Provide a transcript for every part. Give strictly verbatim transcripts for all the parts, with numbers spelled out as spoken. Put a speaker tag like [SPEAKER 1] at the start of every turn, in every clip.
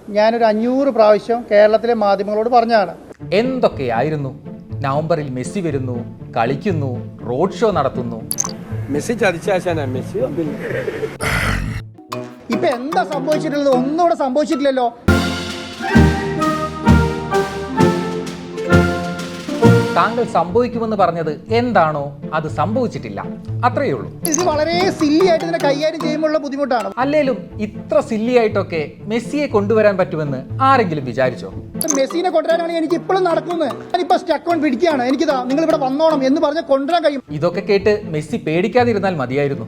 [SPEAKER 1] ഞാനൊരു അഞ്ഞൂറ് പ്രാവശ്യം കേരളത്തിലെ മാധ്യമങ്ങളോട് പറഞ്ഞതാണ്.
[SPEAKER 2] എന്തൊക്കെയായിരുന്നു? നവംബറിൽ മെസ്സി വരുന്നു, കളിക്കുന്നു, റോഡ് ഷോ നടത്തുന്നു.
[SPEAKER 3] മെസ്സി ചതിച്ചാശാനാ മെസ്സി.
[SPEAKER 1] ഇപ്പൊ എന്താ സംഭവിച്ചിട്ടുള്ളത്? ഒന്നും ഇവിടെ സംഭവിച്ചിട്ടില്ലല്ലോ.
[SPEAKER 2] താങ്കൾ സംഭവിക്കുമെന്ന് പറഞ്ഞത് എന്താണോ അത് സംഭവിച്ചിട്ടില്ല, അത്രയേ ഉള്ളൂ.
[SPEAKER 1] ഇത് വളരെ സില്ലി ആയിട്ട് ഇതിനെ കൈകാര്യം ചെയ്യുമ്പോഴുള്ള ബുദ്ധിമുട്ടാണ്.
[SPEAKER 2] അല്ലേലും ഇത്ര സില്ലി ആയിട്ടൊക്കെ മെസ്സിയെ കൊണ്ടുവരാൻ പറ്റുമെന്ന് ആരെങ്കിലും വിചാരിച്ചോ?
[SPEAKER 1] മെസ്സിനെ കൊണ്ടുവരാനാണെങ്കിൽ എനിക്ക് ഇപ്പോഴും നടക്കുന്നത്. ഞാനിപ്പോ സ്റ്റക്ക് ഓൺ പിടിക്കുകയാണ്. എനിക്കിതാ നിങ്ങൾ ഇവിടെ വന്നോണം എന്ന് പറഞ്ഞ് കൊണ്ടുവരാൻ കഴിയും.
[SPEAKER 2] ഇതൊക്കെ കേട്ട് മെസ്സി പേടിക്കാതിരുന്നാൽ മതിയായിരുന്നു.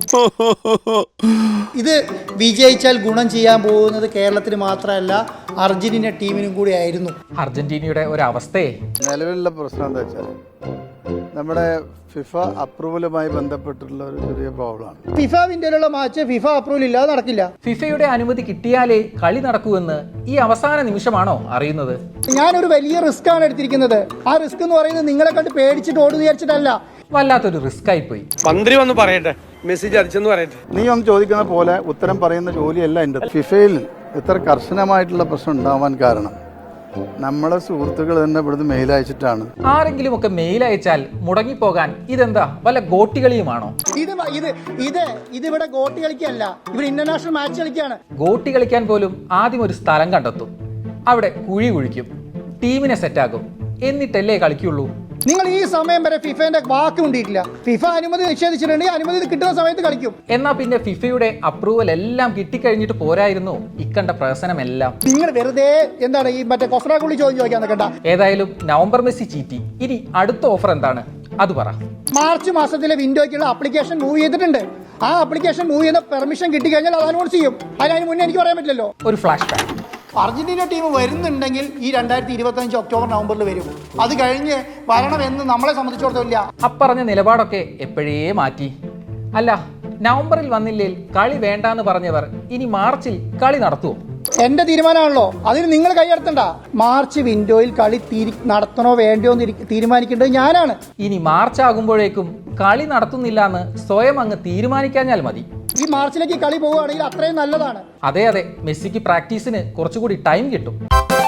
[SPEAKER 1] ഇത് വിജയിച്ചാൽ ഗുണം ചെയ്യാൻ പോകുന്നത് കേരളത്തിന് മാത്രമല്ല അർജന്റീന ടീമിനും കൂടി ആയിരുന്നു.
[SPEAKER 2] അർജന്റീനയുടെ ഒരു അവസ്ഥയെ
[SPEAKER 4] നിലവിലുള്ള പ്രശ്നം എന്താ വെച്ചാൽ നമ്മുടെ ഫിഫ അപ്രൂവലുമായി ബന്ധപ്പെട്ടുള്ള ഒരു ചെറിയ പ്രോബ്ലമാണ്.
[SPEAKER 1] ഫിഫ വിൻഡോയിലുള്ള മാച്ച് ഫിഫ അപ്രൂവൽ ഇല്ലാതെ നടക്കില്ല.
[SPEAKER 2] ഫിഫയുടെ അനുമതി കിട്ടിയാലേ കളി നടക്കൂവെന്ന് ഈ അവസാന നിമിഷമാണോ അറിയുന്നത്?
[SPEAKER 1] ഞാനൊരു വലിയ റിസ്ക് ആണ് എടുത്തിരിക്കുന്നത്. ആ റിസ്ക് എന്ന് പറയുന്നത് നിങ്ങളെ കണ്ട് പേടിച്ചിട്ട് ഓടുന്നു വിചാരിച്ചിട്ടല്ല.
[SPEAKER 2] വല്ലാത്തൊരു റിസ്ക് ആയിപ്പോയി.
[SPEAKER 3] മന്ത്രി വന്ന് പറയട്ടെ, മെസ്സി ചതിച്ചെന്ന് പറയട്ടെ.
[SPEAKER 4] നീ ഒന്ന് ചോദിക്കുന്ന പോലെ ഉത്തരം പറയുന്ന ജോലിയല്ല എൻ്റെ. ഫിഫയിൽ ഇത്ര കർശനമായിട്ടുള്ള പ്രശ്നം ഉണ്ടാവാൻ കാരണം നമ്മളെ സുഹൃത്തുക്കൾ തന്നെ ഇവിടുന്ന് മെയിൽ അയച്ചിട്ടാണ്.
[SPEAKER 2] ആരെങ്കിലും ഒക്കെ മെയിൽ അയച്ചാൽ മുടങ്ങിപ്പോകാൻ ഇതെന്താ വല്ല ഗോട്ടി കളിയുമാണോ?
[SPEAKER 1] ഇത് ഇത് ഇത് ഇതിവിടെ ഗോട്ടി കളിക്കല്ല, ഇവിടെ ഇന്റർനാഷണൽ മാച്ച് കളിക്കാണ്.
[SPEAKER 2] ഗോട്ടി കളിക്കാൻ പോലും ആദ്യം ഒരു സ്ഥലം കണ്ടെത്തും, അവിടെ കുഴി കുഴിക്കും, ടീമിനെ സെറ്റാക്കും, എന്നിട്ടല്ലേ കളിക്കുള്ളൂ.
[SPEAKER 1] നിങ്ങൾ ഈ സമയം വരെ ഫിഫന്റെ വാക്ക് കൊണ്ടിട്ടില്ല. ഫിഫ അനുമതി നിഷേധിച്ചിട്ടുണ്ടെങ്കിൽ അനുമതി കിട്ടുന്ന സമയത്ത് കളിക്കും.
[SPEAKER 2] എന്നാ പിന്നെ ഫിഫയുടെ അപ്രൂവൽ എല്ലാം കിട്ടിക്കഴിഞ്ഞിട്ട് പോരായിരുന്നു ഇക്കണ്ട പ്രശ്നമെല്ലാം?
[SPEAKER 1] നിങ്ങൾ വെറുതെ എന്താണ് ഈ മറ്റേ കൊസ്രാക്കുള്ളി ചോദ്യം ചോദിക്കാൻ നിൽക്കണ്ട.
[SPEAKER 2] ഏതായാലും നവംബർ മെസ്സി ചീറ്റി. ഇനി അടുത്ത ഓഫർ എന്താണ് അത് പറ.
[SPEAKER 1] മാർച്ച് മാസത്തിലെ വിൻഡോയ്ക്കുള്ള ആപ്ലിക്കേഷൻ മൂവ് ചെയ്തിട്ടുണ്ട്. ആ ആപ്ലിക്കേഷൻ മൂവ് ചെയ്യുന്ന പെർമിഷൻ കിട്ടിക്കഴിഞ്ഞാൽ അത് അനൗൺസ് ചെയ്യും. അതിന് മുന്നേ എനിക്ക് പറയാൻ പറ്റില്ലല്ലോ.
[SPEAKER 2] ഒരു ഫ്ലാഷ് ബാക്ക്.
[SPEAKER 1] അർജന്റീന ടീം വരുന്നുണ്ടെങ്കിൽ ഈ രണ്ടായിരത്തി ഇരുപത്തി അഞ്ച് ഒക്ടോബർ നവംബറിൽ വരും. അത് കഴിഞ്ഞ് വരണമെന്ന് നമ്മളെ സംബന്ധിച്ചിടത്തോളം
[SPEAKER 2] അപ്പറഞ്ഞ നിലപാടൊക്കെ എപ്പോഴേ മാറ്റി. അല്ല, നവംബറിൽ വന്നില്ലേ കളി വേണ്ടാന്ന് പറഞ്ഞവർ ഇനി മാർച്ചിൽ കളി നടത്തുമോ?
[SPEAKER 1] എന്റെ തീരുമാനമാണല്ലോ, അതിന് നിങ്ങൾ കൈയടത്തണ്ട. മാർച്ച് വിൻഡോയിൽ കളി നടത്തണോ വേണ്ടയോ എന്ന് തീരുമാനിക്കേണ്ടത് ഞാനാണ്.
[SPEAKER 2] ഇനി മാർച്ച് ആകുമ്പോഴേക്കും കളി നടത്തുന്നില്ല എന്ന് സ്വയം അങ്ങ് തീരുമാനിക്കാഞ്ഞാൽ മതി.
[SPEAKER 1] ഈ മാർച്ചിലേക്ക് കളി പോവുകയാണെങ്കിൽ അത്രയും നല്ലതാണ്.
[SPEAKER 2] അതെ അതെ, മെസ്സിക്ക് പ്രാക്ടീസിന് കുറച്ചുകൂടി ടൈം കിട്ടും.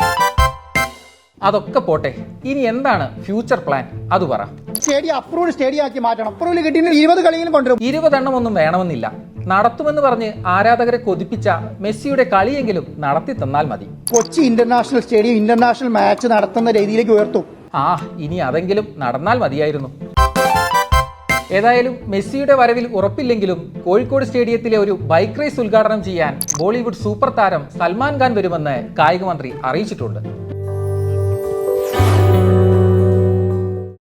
[SPEAKER 2] അതൊക്കെ പോട്ടെ, ഇനി എന്താണ് ഫ്യൂച്ചർ പ്ലാൻ അത് പറ.
[SPEAKER 1] സ്റ്റേഡിയം അപ്രൂവ്ഡ് സ്റ്റേഡിയം ആക്കി മാറ്റണം. അപ്രൂവൽ കിട്ടിയിട്ട് ഇരുപത് കളിയിലും കൊണ്ടുവരും.
[SPEAKER 2] ഇരുപതെണ്ണം ഒന്നും വേണമെന്നില്ല, നടത്തുമെന്ന് പറഞ്ഞ് ആരാധകരെ കൊതിപ്പിച്ച മെസ്സിയുടെ കളിയെങ്കിലും നടത്തി തന്നാൽ മതി.
[SPEAKER 1] Kochi international stadium international match നടത്തുന്ന രീതിയിലേക്ക് ഉയർത്തും.
[SPEAKER 2] ആ, ഇനി അതെങ്കിലും നടന്നാൽ മതിയായിരുന്നു. ഏതായാലും മെസ്സിയുടെ വരവിൽ ഉറപ്പില്ലെങ്കിലും കോഴിക്കോട് സ്റ്റേഡിയത്തിലെ ഒരു ബൈക്ക് റേസ് ഉദ്ഘാടനം ചെയ്യാൻ ബോളിവുഡ് സൂപ്പർ താരം സൽമാൻ ഖാൻ വരുമെന്ന് കായിക മന്ത്രി അറിയിച്ചിട്ടുണ്ട്.